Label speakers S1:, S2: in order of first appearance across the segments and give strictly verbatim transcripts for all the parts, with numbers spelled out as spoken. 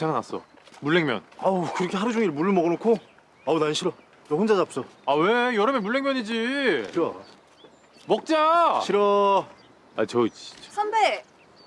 S1: 생각났어. 물냉면.
S2: 아우 그렇게 하루 종일 물을 먹어놓고 아우 난 싫어. 너 혼자 잡숴.
S1: 아 왜? 여름에 물냉면이지.
S2: 싫어.
S1: 먹자.
S2: 싫어.
S1: 아 저 진짜.
S3: 선배.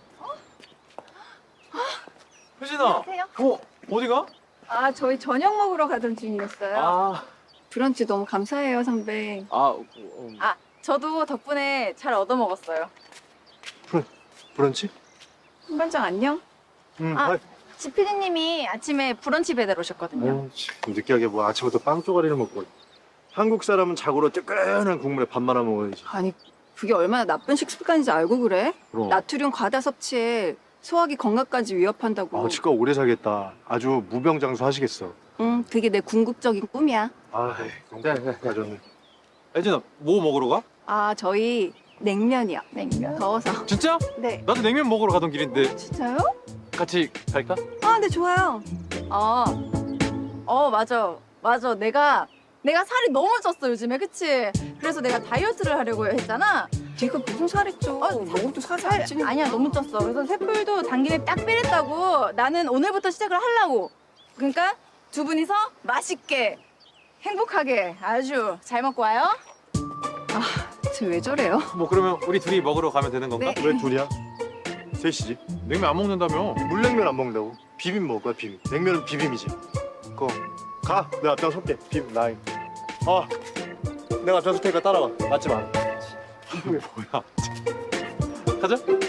S1: 혜진아.
S3: 안녕하세요.
S1: 어 어디가?
S3: 아 저희 저녁 먹으러 가던 중이었어요.
S1: 아.
S3: 브런치 너무 감사해요 선배.
S1: 아. 어, 어.
S3: 아 저도 덕분에 잘 얻어 먹었어요.
S2: 브런 브런치?
S3: 선반장 안녕.
S2: 응.
S3: 아.
S2: 아이,
S3: 지피디님이 아침에 브런치 배달 오셨거든요.
S2: 아유, 참, 느끼하게 뭐 아침부터 빵 쪼가리를 먹고. 한국 사람은 자고로 뜨끈한 국물에 밥 말아 먹어야지.
S3: 아니 그게 얼마나 나쁜 식습관인지 알고 그래?
S2: 그럼.
S3: 나트륨 과다 섭취에 소화기 건강까지 위협한다고.
S2: 아 치과 오래 살겠다. 아주 무병장수 하시겠어.
S3: 응 그게 내 궁극적인 꿈이야.
S2: 아이
S1: 네, 네.
S2: 가졌네.
S1: 혜진아 뭐 먹으러 가?
S3: 아 저희 냉면이요. 냉면? 더워서.
S1: 진짜?
S3: 네.
S1: 나도 냉면 먹으러 가던 길인데
S3: 진짜요?
S1: 같이 갈까?
S3: 아, 네, 좋아요. 어, 어, 맞아. 맞아. 내가, 내가 살이 너무 쪘어, 요즘에. 그치? 그래서 내가 다이어트를 하려고 했잖아. 네가 무슨 살이 쪄? 어, 먹어도 살이 안 찌는 아니야, 너무 쪘어. 그래서 셋불도 당김에 딱 빼랬다고. 나는 오늘부터 시작을 하려고. 그러니까 두 분이서 맛있게, 행복하게 아주 잘 먹고 와요. 아, 쟤 왜 저래요?
S1: 뭐 그러면 우리 둘이 먹으러 가면 되는 건가?
S3: 네.
S2: 왜 둘이야? 셋이지.
S1: 냉면 안 먹는다며.
S2: 물냉면 안 먹는다고? 비빔 먹을 거야 비빔. 냉면은 비빔이지. 그거 가. 내가 앞장 설게. 비빔 나이. 아 내가 앞장 설 테니까 따라와. 맞지 마.
S1: 뭐야. 가자.